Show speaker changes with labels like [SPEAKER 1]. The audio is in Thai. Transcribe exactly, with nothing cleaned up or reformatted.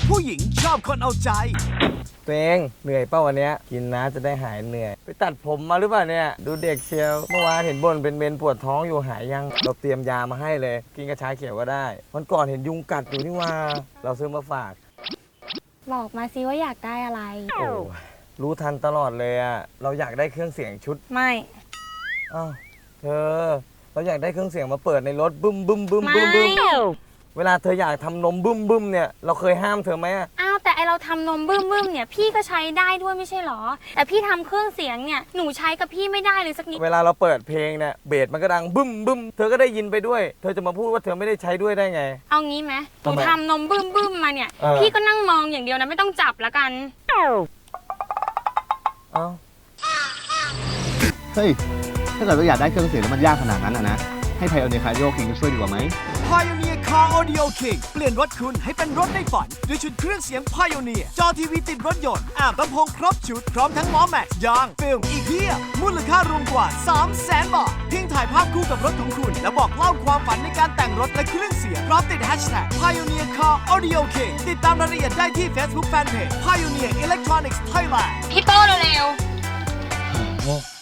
[SPEAKER 1] ผู้หญิงชอบคนเอาใจ
[SPEAKER 2] ตัวเองเหนื่อยเป้าวันนี้กินนะจะได้หายเหนื่อยไปตัดผมมาหรือเปล่าเนี่ยดูเด็กเชียวเมื่อวานเห็นบ่นเป็นเมนปวดท้องอยู่หายยังเราเตรียมยามาให้เลยกินกระชายเขียวก็ได้วันก่อนเห็นยุงกัดอยู่นี่ว่าเราซื้อมาฝาก
[SPEAKER 3] บอกมาสิว่าอยากได้อะไร
[SPEAKER 2] โอ้รู้ทันตลอดเลยอะเราอยากได้เครื่องเสียงชุด
[SPEAKER 3] ไม่
[SPEAKER 2] อ้าวเธอเราอยากได้เครื่องเสียงมาเปิดในรถบึ้มบึ้มบึ้มบึ้มบึ้มเวลาเธออยากทำนมบึ้มบึ้มเนี่ยเราเคยห้ามเธอไหม
[SPEAKER 3] อ้าวแต่ไอเราทำนมบึ้มบึ้มเนี่ยพี่ก็ใช้ได้ด้วยไม่ใช่หรอแต่พี่ทำเครื่องเสียงเนี่ยหนูใช้กับพี่ไม่ได้เลยสักนิด
[SPEAKER 2] เวลาเราเปิดเพลงเนี่ยเบสมันก็ดังบึ้มบึ้มเธอก็ได้ยินไปด้วยเธอจะมาพูดว่าเธอไม่ได้ใช้ด้วยได้ไง
[SPEAKER 3] เอางี้ไหมหนูทำนมบึ้มบึ้มมาเนี่ยพี่ก็นั่งมองอย่างเดียวนะไม่ต้องจับละกัน
[SPEAKER 2] เอ้า
[SPEAKER 4] เฮ้ยถ้าเกิดเราอยากได้เครื่องเสียงแล้วมันยากขนาดนั้นอะนะให้ไพโอเนียร์คาร์ดิโอคิงช่วยดีกว่าไหม
[SPEAKER 1] Pioneer Car Audio King เปลี่ยนรถคุณให้เป็นรถในฝันด้วยชุดเครื่องเสียง Pioneer จอทีวีติดรถยนต์แอมป์ลำโพงครบชุดพร้อมทั้งล้อแม็กซ์ยางฟิล์มอีกเพียบมูลค่ารวมกว่า สามแสน บาทเพียงถ่ายภาพคู่กับรถของคุณและบอกเล่าความฝันในการแต่งรถและเครื่องเสียงพร้อมติด Hashtag Pioneer Car Audio King ติดตามรายละเอียดได้ที่ Facebook Fanpage Pioneer Electronics Thailand
[SPEAKER 3] พี่โป้เร็ว
[SPEAKER 2] โอ้